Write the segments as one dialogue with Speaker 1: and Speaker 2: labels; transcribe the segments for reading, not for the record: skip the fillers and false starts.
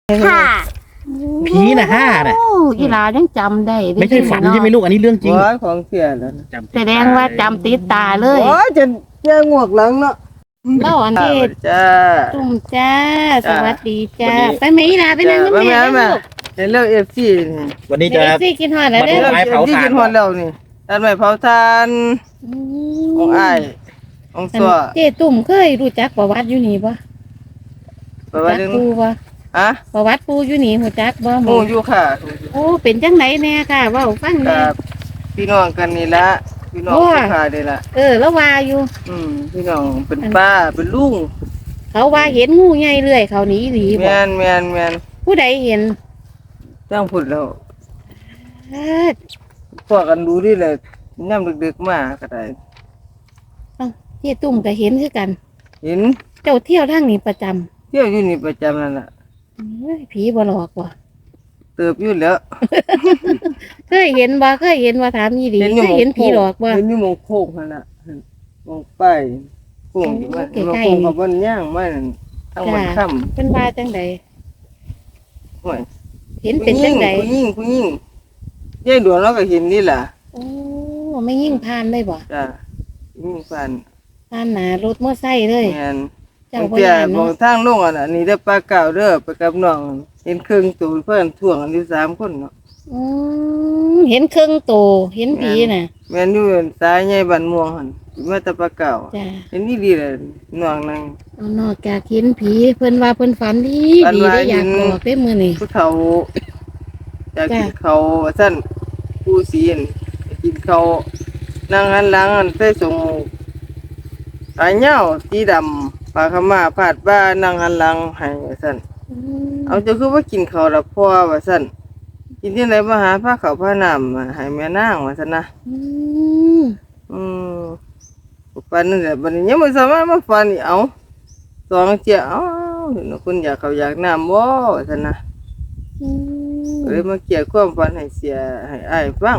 Speaker 1: ค่ะ
Speaker 2: ผีน่ะ5น่ะ
Speaker 3: โอ้อีหลายังจำได้
Speaker 2: ไม่ใช่ฝันใช่ไหมลูกอันนี้เรื่องจริง
Speaker 4: โอ้ยของเสียแล้ว
Speaker 2: จำ
Speaker 3: แสดงว่าจำติดตาเลย
Speaker 4: โอ้ยจะงวกหลังเนาะ
Speaker 3: เล่าอันที่
Speaker 4: จ้า
Speaker 3: ตุ่มจ้า ส
Speaker 4: จ้า
Speaker 3: วัสดีจ้าไปไหมอีหลาไปนั่งกับแม่
Speaker 4: จ้า
Speaker 3: ลูก
Speaker 4: เห็นเรื่องFC นี่
Speaker 2: วันนี้
Speaker 3: เดี๋
Speaker 2: จะ
Speaker 3: ยวซี่กินหอดแล้ว
Speaker 2: มา
Speaker 3: เด้
Speaker 2: ดู
Speaker 3: อ
Speaker 2: ไม้เผาถ่าน
Speaker 4: กินฮอดแล้วนี่อันไม้เผาทานของอ้ายของ
Speaker 3: อัน
Speaker 4: ซัว
Speaker 3: เจ๊ตุ่มเคยรู้จักประวัติอยู่นี่ปะ
Speaker 4: ไปว่า
Speaker 3: จัก
Speaker 4: เรื่อง
Speaker 3: ปูปะ
Speaker 4: ฮะ
Speaker 3: ประวัติปูอยู่นี่หูจักบ่ห
Speaker 4: ห
Speaker 3: ม
Speaker 4: มู่
Speaker 3: อ
Speaker 4: อยู่ค่ะ
Speaker 3: โอ้เป็นจังไหนแน่ค่ะเว่าฟัง
Speaker 4: กั
Speaker 3: แน่
Speaker 4: บพี่น้องกันนี่ละพี่น้อง
Speaker 3: โอ้ย
Speaker 4: สุขานี่ละ
Speaker 3: แล้วว่าอยู่
Speaker 4: พี่น้องเป็นป้าเป็นลุง
Speaker 3: เขาว่าเห็นงูใหญ่เรื่อยเขาหนีหลีบ่
Speaker 4: แม่น
Speaker 3: ผู้ใดเห็น
Speaker 4: จ้างพูดแล้ว
Speaker 3: เอิ้น
Speaker 4: พวกกันดูดิเลยย่ำดึกๆมาก็ได้
Speaker 3: เอ้าเจ๊ตุ่มก็เห็นคือกัน
Speaker 4: เห็น
Speaker 3: เจ้าเที่ยวทางนี้ประจำ
Speaker 4: เที่ยวอยู่นี่ประจำนั่นแหละ
Speaker 3: เอ้ยผีบ่หลอกว่ะ
Speaker 4: เติบอยู่แล้ว
Speaker 3: เคยเห็นบ่เคยเห็นว่าถามยี่ดีเคยเห็นผีหลอกบ่
Speaker 4: เห็นอยู่หมองโค้งนั่นแหละหมองป้ายโค้งที่ว่า
Speaker 3: โอ้
Speaker 4: หมอง
Speaker 3: ใกล้
Speaker 4: โค้ง
Speaker 3: ๆ
Speaker 4: กับบนย่างมานั่นทั้งบน
Speaker 3: จ้ะ
Speaker 4: ค่
Speaker 3: เป็นว่าจังใด
Speaker 4: ำห่วย
Speaker 3: เห็นเป็นจังใด
Speaker 4: ผู้หญิงยายดวงเราก็เห็นนี่ล่ะ
Speaker 3: โอ้ไม่ยิ่งผ่านเลยบ่
Speaker 4: จ้ะยิ่งฟัน
Speaker 3: ผ่านหนารถมอไซค์เลย
Speaker 4: แม่น
Speaker 3: เจ้าบ่
Speaker 4: เตี้ย
Speaker 3: ย่าน
Speaker 4: บอ
Speaker 3: เนาะ
Speaker 4: กทางลงอ่ะน่ะนี่ได้ปลาเก่าเด้อไปกับน้องเห็นครึ่งตัวเพิ่นถ่วงกันอยู่3คนเนาะ
Speaker 3: อืเห็นเครื่องโตเห็นผีน่ะ
Speaker 4: แม่นอยู่สายใหญ่บ้านม่วงหั่นมาแต่ปลาเก่า
Speaker 3: จ้ะ
Speaker 4: เห็นนี่ดีเลยน้องนั่ง
Speaker 3: เอานอกจากเห็นผีเพิ่นว่าเพิ่นฝันดี
Speaker 4: ฝัน
Speaker 3: ดี
Speaker 4: ว่า
Speaker 3: ได้อยาก
Speaker 4: เห็น
Speaker 3: บอกได้มื้อนี้
Speaker 4: ผู้เฒ่าอยากกิน
Speaker 3: จ้ะ
Speaker 4: เขาวว่าซั่นผู้ศีลอยากกินเขาวนั่งหันหลังอันใส่สงอายเหย้าสีดำผ้าขาวม้าพาดบ่านั่งหันหลังให้ว่าซั่น
Speaker 3: อืม
Speaker 4: เอาจะคือว่ากินข้าวละพ่อว่าซั่นกินที่ไหนมาหาผ้าขาวผ้าน้ำมาให้แม่นางว่าซั่นนะ
Speaker 3: อืม
Speaker 4: อืมปันนั่นแหละบัดนี้ยังบ่สามารถมาฟันอีกเอาสองเจียเอาเห็นว่าคุณอยากเขาวอยากน้ำบ่ว่าซั่นนะ
Speaker 3: อืม
Speaker 4: ก็เลยมาเกี่ยความฝันให้เสียให้อ้ายฟัง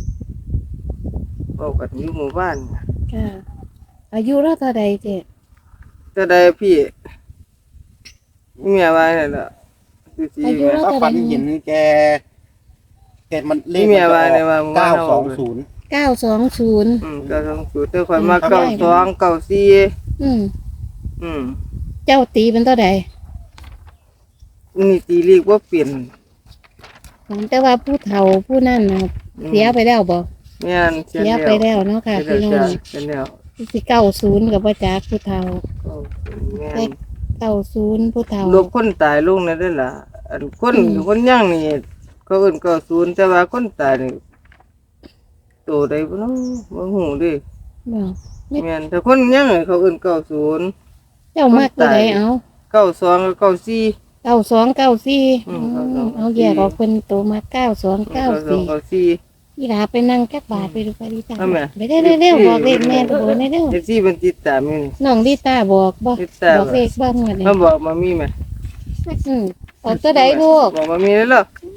Speaker 4: บอกกันอยู่หมู่บ้าน
Speaker 3: ค่ะอายุเราเท่าใดเจ๊
Speaker 4: ก็ได้พี่เมียว่านั่นล่ะคือสิ
Speaker 3: อายุเรา
Speaker 2: ถ้า
Speaker 3: เท่า
Speaker 2: ฝัน
Speaker 3: ใด
Speaker 2: เห็นแกมันเลข
Speaker 4: นี่
Speaker 2: มัน
Speaker 4: เมีย
Speaker 2: จะ
Speaker 4: ว่า
Speaker 2: อ
Speaker 4: เนี่ยว่า
Speaker 2: อก920
Speaker 3: 920
Speaker 4: ก็ต้องสูตรแต่ข่อยมา92 94
Speaker 3: อืม
Speaker 4: อืม
Speaker 3: เจ้าตีเป็นเท่าใด
Speaker 4: นี่ตีลีกบ่เปลี่ยน
Speaker 3: แต่ว่าผู้เฒ่าผู้นั่นน่ะเสียไปแล้วบ่
Speaker 4: แม่น
Speaker 3: เสียไปแล้วเนาะค่ะ
Speaker 4: เสี
Speaker 3: พี่
Speaker 4: ย
Speaker 3: น้อง
Speaker 4: เป็นแล้ว
Speaker 3: สิ90กับบ่จักผู้เฒ่า
Speaker 4: แม่น
Speaker 3: 90ผู้เฒ่า
Speaker 4: ลบคนตายลงนั่นเด้อล่ะอันคน
Speaker 3: อืม
Speaker 4: คนย่างนี่เขาเอิ้น90แต่ว่าคนตายนี่โตได้บ่เนาะบ่ฮู้เด้
Speaker 3: บ่
Speaker 4: แม่นแต่คนย่างนี่เขาเอิ้น90
Speaker 3: เจ้ามากตัวใดเอา
Speaker 4: 92กับ94
Speaker 3: 9294
Speaker 4: อืม
Speaker 3: เอาแยกออกเป็นตัวมา9294
Speaker 4: 94
Speaker 3: อีหลาไปนั่งจักบาทไปดูไปดีจ้า
Speaker 4: เอาแม่
Speaker 3: ไปได้เร็วๆบอกเลขแม่ตัวได้เร็ว
Speaker 4: เอฟซีมันติดตามอยู่นี่
Speaker 3: น้องดิตาบอกบ่
Speaker 4: ติดตาม
Speaker 3: บอกเลขบ้างว่านี่
Speaker 4: มาบอกมามีไหม
Speaker 3: ออกตัวใดลูก
Speaker 4: บอกมามีแล้วเหรอ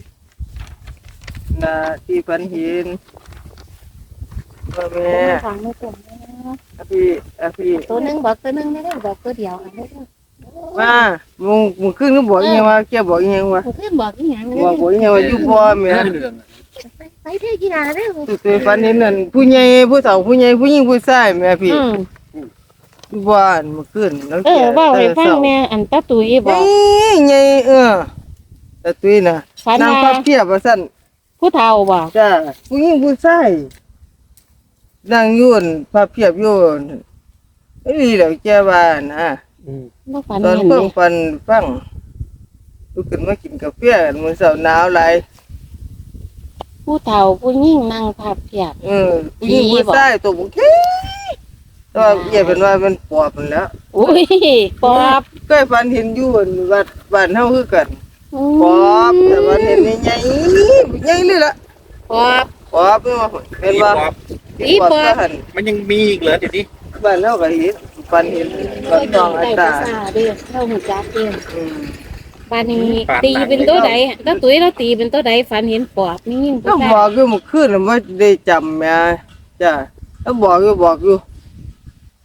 Speaker 4: นาที่ฝันเห็นว่าแม่
Speaker 3: ฟังไม่ตรง
Speaker 4: พี่
Speaker 3: ตัวหนึงบอกตัวหนึงไม่ได้บอกตัวเดียวอันนี้
Speaker 4: มามึงขึ้นก็บอกยังว่าแกบอกยังว่า
Speaker 3: ผู้ขึ้นบอกอีหยัง
Speaker 4: บอกยังว่าอยู่บ่แม่
Speaker 3: ไปเที่ยวกีฬาเด้อ
Speaker 4: ตัวฝันเห็นนั่นผู้ใหญ่ผู้เฒ่าผู้ใหญ่ผู้หญิงผู้ชายแม่พี่บ้านมึงขึ้นแล้ว
Speaker 3: เว้าให้ฟังแม่อันตาตุ้ยบอก
Speaker 4: ใหญ่แต่ตุ้ยน่ะ
Speaker 3: ฝัน
Speaker 4: นาง
Speaker 3: ว่า
Speaker 4: พับเพียบว่าซั่น
Speaker 3: ผู้เฒ่าบ่
Speaker 4: จ้าผู้หญิงผู้ชายนั่งอยุ่นพาเพียบอยุ่นไอ้นี่แหละแกว่านะ
Speaker 3: บ่ฝัน
Speaker 4: ตอน
Speaker 3: เห็น
Speaker 4: เพิ่
Speaker 3: เล
Speaker 4: ง
Speaker 3: ย
Speaker 4: ปันฟังลุกขึ้นมากินกาแฟกันมื้อเช้าหนาวหลาย
Speaker 3: ผู้เฒ่าผู้หญิงนั่งพับเพียบ
Speaker 4: ผู้หญิงผู้ชายตัวบุกแค่แต่ว่าเอียเป็นว่ามันปอบมันแล้ว
Speaker 3: อุ้ยปอบ
Speaker 4: เคยฝันเห็นอยู่วัดบ้านเฮาคือกันปอบแต่ว่าเห็นใหญ่ๆใหญ่เลยล่ะ
Speaker 3: ปอบ
Speaker 4: ปอบนี่ว่าเห็นว่า
Speaker 3: อีปอบ
Speaker 4: ก็หัน
Speaker 2: มันยังมีอีกเหรอเดี๋ยวนี้
Speaker 4: บ้านเฮาก็เห็นฝันเห็นกับน้องอา
Speaker 3: ได้
Speaker 4: ตา
Speaker 3: ภาษาเด้อเฮาฮู้จักเด้อ
Speaker 4: อืม
Speaker 3: บ้านนี้ตีเป็นตัวใดแล้วตุ้ยเราตีเป็นตัวใดฝันเห็นปอบนี่ยิ่ง
Speaker 4: ก็บอกอยู่เมื่อคืนน่ะบ่ได้จำแม่จ้ะแล้วบอกอยู่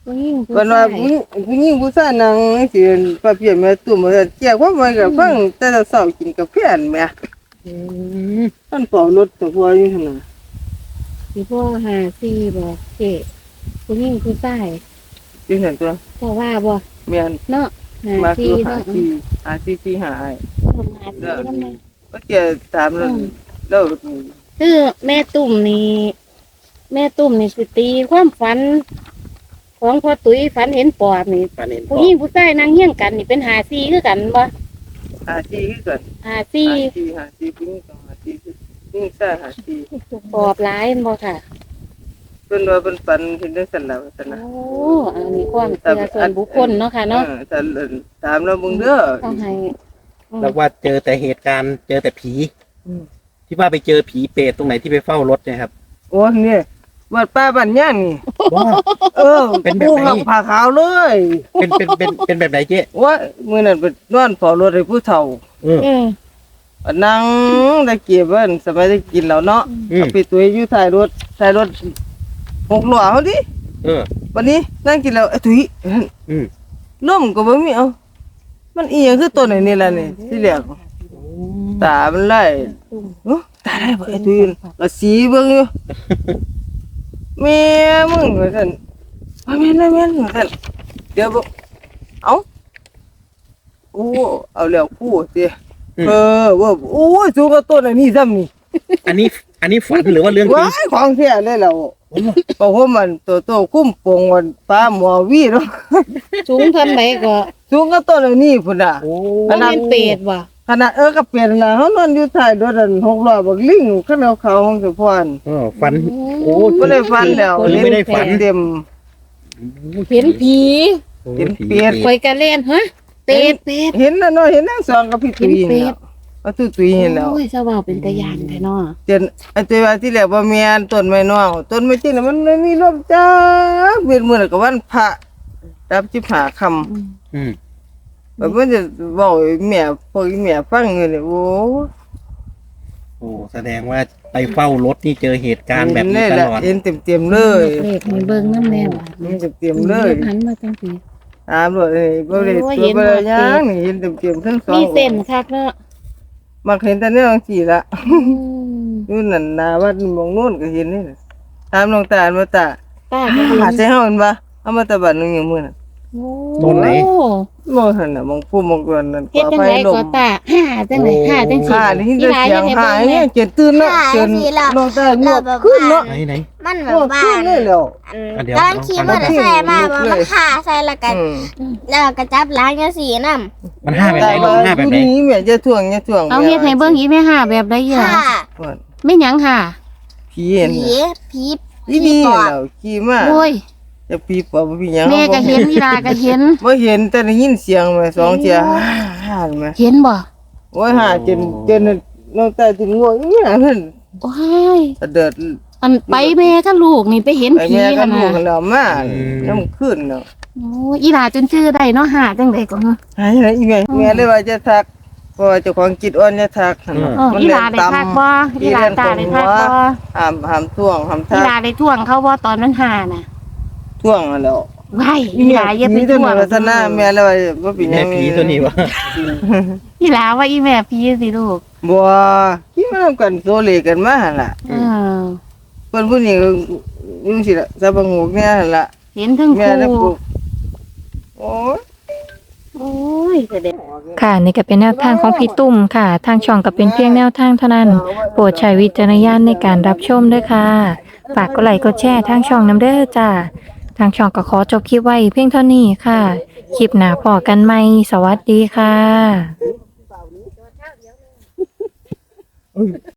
Speaker 3: ผู้หญิงผู้
Speaker 4: เพิ่น
Speaker 3: ชา
Speaker 4: ว่าย ผู้หญิงผู้ชายนั่งสิป้าเพียแม่ตุ้มว่าซั่นแจ้งความไว้ก็ฟังแต่เช้ากินกาแฟนั่นแหม
Speaker 2: อืม
Speaker 4: มันเฝ้ารถแต่พออยู่หั่นน่ะ
Speaker 3: สิพ่อหาซีบอกเจ๊ผู้หญิงผู้ชาย
Speaker 4: อยู่นั่นตัว
Speaker 3: พ่อว่าบ่
Speaker 4: แม่น
Speaker 3: เนาะหา
Speaker 4: มา
Speaker 3: ซี
Speaker 4: คือหา
Speaker 3: เนาะ
Speaker 4: ที่หาที่ที่หาไอ้
Speaker 3: หาซีนำแม่
Speaker 4: ก็เจอตามแล้ว
Speaker 3: คือแม่ตุ่มนี่แม่ตุ่มนี่สิตีความฝัน ของพ่อตุ้ยฝันเห็นปอบนี่
Speaker 2: ฝันเห็น
Speaker 3: ผู้หญิงผู้ชายนั่งเฮี้ยงกันนี่เป็นหาซีคือกันบ่
Speaker 4: หาที่คือกัน
Speaker 3: หาซี
Speaker 4: หาที่ปิ้งกับหาที่ปิ้งซ่าหาที่
Speaker 3: ปอบหลายแม่นบ่ค่ะ
Speaker 4: เพิ่นว่าเพิ่นฝันเห็นจังซั่นล่ะว่าซั่น
Speaker 3: โอ้
Speaker 4: นะ
Speaker 3: อันนี้ความเชื่อส่วนบุคคลเนาะค่ะเนาะ
Speaker 4: แต่ตามแล้วมึงเด้อ
Speaker 3: ต้องให้
Speaker 2: แล้วว่าเจอแต่เหตุการณ์เจอแต่ผี ที่ว่าไปเจอผีเปรตตรงไหนที่ไปเฝ้ารถเนี่ยครับ
Speaker 4: โอ้เนี่ยวัดป้าบ้านย่างนี่
Speaker 2: ว้า เป็นแบบไหน
Speaker 4: ผู้ขับผ้าขาวเลย
Speaker 2: เป็นแบบไหนเจ๊
Speaker 4: ว่ามื้อนั้นไปนอนเฝ้ารถให้ผู้เฒ่า
Speaker 2: เออ
Speaker 3: เออ
Speaker 4: นั่งตะเกียบเพิ่นสมัยได้กินแล้วเนาะ
Speaker 2: อืม
Speaker 4: ไปตัวอยู่ท้ายรถหกล้อเฮาดิ
Speaker 2: เออ
Speaker 4: วันนี้นั่งกินแล้วไอ้ถุย
Speaker 2: อืม
Speaker 4: ร่มก็บ่มีเอามันอีหยังคือต้นไอ้นี่ล่ะนี่ที่แรกตามันไล่โอ้ตาได้บ่ไอ้ถุยก็สีเบิ่งอยู่แม่มึงว่าซั่นว่าแม่นว่าซั่นเดี๋ยวบ่เอาโอ้เอาแล้วกูติว่าโอ้ยสูงกว่าต้นอันนี้ซ้ำนี่
Speaker 2: อันนี้ฝันหรือว่าเรื่องจริ
Speaker 4: ว้าง ยของแท้เลยแล้วเพราะว่ามันโตคุ้มโปงวันฟ้าหมอวีเนาะ
Speaker 3: สูงเท่าไหร่ก็
Speaker 4: สูงกว่าต้นอันนี้พุ่นน่ะ
Speaker 2: โอ้
Speaker 3: บ่แม่นเปรตบ่
Speaker 4: ขนาดก็เปลี่ยนนะเขานอนอยู่ท้ายรถอัน6ล้อบักลิงขึ้นเอาเขาห้องสุพร
Speaker 2: ฝัน โอ้
Speaker 4: บ่ได้ฟันแล้ว
Speaker 2: ไม่ได้ฝัน
Speaker 4: เต็ม
Speaker 3: เห็นผี
Speaker 4: เห็นเปรต
Speaker 3: ข่อยก็เล่นฮะเปรต
Speaker 4: เห็นแล้วเนาะเห็นทั้งสองกับพี่ตุ้ย
Speaker 3: เห็นเป็
Speaker 4: แล้
Speaker 3: ด
Speaker 4: วว่าตุ้ยเห็นแล้ว
Speaker 3: โอ้ยเจ้าเว้าเป็นตาย่านแท้เนาะ
Speaker 4: เจนไอ้ตัวว่าที่แรกว่าแม่นต้นไม้น้องต้นไม้จริงน่ะมันไม่มีลมจ้าเวียนมื้อนั้นก็วันพระรับ15ค่ำ
Speaker 2: อืม
Speaker 4: แบบมันจะบอกไอ้แม่พวกไอ้แม่ฟังอยู่เนี่ยโอ้
Speaker 2: โอ้แสดงว่าไปเฝ้ารถนี่เจอเหตุการณ์แบบนี้ตลอด
Speaker 4: เห็นเต็มๆเลย
Speaker 3: เลขให้เบิ่งนำแน่ว่ะ
Speaker 4: เห็นเต็มๆเลย
Speaker 3: หันมาจังซี่
Speaker 4: ตามเลยบ่ได้
Speaker 3: โอ้ย
Speaker 4: ตัว
Speaker 3: เห็น
Speaker 4: บ่
Speaker 3: หม
Speaker 4: ได้
Speaker 3: ด
Speaker 4: ยังนี่เห็นเต็มๆทั้งสอง
Speaker 3: มีเส้นคักเนาะ
Speaker 4: มักเห็นแต่เนี่ยจังซี่ละ
Speaker 3: อืม
Speaker 4: อยู่นั่นหน้าวัดหมองโน่นก็เห็นนี่น่ะตามหลวงตามาตา
Speaker 3: ป้าก็เห็
Speaker 4: หาน ใส่เฮาเห็นบ่เอามาตะบัดนึงอย่างมื้อน่ะ
Speaker 3: โอ้
Speaker 2: ตรงไหน
Speaker 4: บ่หั่นน่ะมองผู้มองกวนนั่น
Speaker 3: เฮ็ดจังไดก็ตาห่าจังไดห่าจังซี่
Speaker 4: ข้าได้ยิน
Speaker 3: อี
Speaker 4: แต่
Speaker 3: หลาย
Speaker 4: เสีย
Speaker 3: ยัง งไง
Speaker 4: หา
Speaker 3: เบิ่ง
Speaker 4: เนี่
Speaker 3: แม่
Speaker 4: ยเจ็ดตื่นเนาะเจนหลวงตาเงียบขึ้นเนาะ
Speaker 2: ไหน
Speaker 1: มันแบ
Speaker 4: โอ้
Speaker 1: บว่า
Speaker 4: ขึ้นเลยแล้ว
Speaker 2: อ่ะเดี๋ยว
Speaker 1: ตอนขี่มอเตอร์ไซค์มาว่ามันฆ่าใส่แล้วก็
Speaker 4: อืม
Speaker 1: แล้วก็จับล้างจังซี่นำ
Speaker 2: มันห้าแบบไหนลูกห้าแบบไหน
Speaker 4: นี้แม่จะถ่วง
Speaker 3: เอาเฮ็ดให้เบิ่งอีแม่ห่าแบบใดอีห
Speaker 1: ฆ่า
Speaker 3: ล่ะแม่หยังห่า
Speaker 4: ผีเห็น
Speaker 1: ผี
Speaker 4: อีนี่แล้วขี่มา
Speaker 3: โอ้ย
Speaker 4: จะผีปอบผีหยัง
Speaker 3: แม่ก็เห็นอีหลาก็เห็น
Speaker 4: บ่เห็นแต่ได้ยินเสียงมาสองเที่ยห่านมา
Speaker 3: เห็นบ่
Speaker 4: โอ้ยห่าจนน้องตาถึงง่วงอีหยังนั่น
Speaker 3: โอ้ย
Speaker 4: เดิด
Speaker 3: อันไปแม่กับลูกนี่ไปเห็น
Speaker 4: ไอ้
Speaker 3: ผี
Speaker 4: แม่ก็
Speaker 3: กัน
Speaker 4: ลู
Speaker 3: น่ะ
Speaker 4: กแล้วมาน้ำขึ้นเนาะ
Speaker 3: โอ้ยอีหลาจนชื่อได้เนาะห่าจังไดก็เนาะ
Speaker 4: หายไหนอีแม่เลยว่าจะทักเพราะว่าเจ้าของจิตอ่อนจะทักหั่นน่ะ
Speaker 3: อีหลาได้ทักบ่อีหลาตาได้ทักบ่
Speaker 4: ห้ามท่วงห้าม
Speaker 3: อี
Speaker 4: ทั
Speaker 3: หลาก ได้ท่วงเขาบ่ตอนมันห่าน่ะ
Speaker 4: ท่วงแล้ว
Speaker 3: ไว้อีหลาอย่าไป
Speaker 4: มี
Speaker 3: ท่
Speaker 4: ตัว
Speaker 3: วง
Speaker 4: วัฒนาแม่แล้วว่าบ่เป็นห
Speaker 2: แม่
Speaker 4: ยัง
Speaker 2: ผีตัวนี้วะ
Speaker 3: อีหลาว่าอีแม่ผีสิลูก
Speaker 4: บ่คิดมาทำกันโซเลกันมาหั่นล่ะ
Speaker 3: เออ
Speaker 4: เพิ่นผู้นี้ก็อยู่สิล่ะซะบังหูแม่หั่นล่ะ
Speaker 3: เห็นทั้ง
Speaker 4: แม่ได้
Speaker 3: คู่
Speaker 4: ปลูกโอ้ย
Speaker 3: โอ้ยแสดง
Speaker 5: ค่ะนี่ก็เป็นแนวทางของพี่ตุ้มค่ะ ทางช่องก็เป็นเพียงแนวทางเท่านั้น โปรดใช้วิจารณญาณในการรับชมด้วยค่ะ ฝากกดไลค์กดแชร์ทางช่องน้ำเด้อจ้า ทางช่องก็ขอจบคลิปไว้เพียงเท่านี้ค่ะ คลิปหน้าพอกันใหม่ สวัสดีค่ะ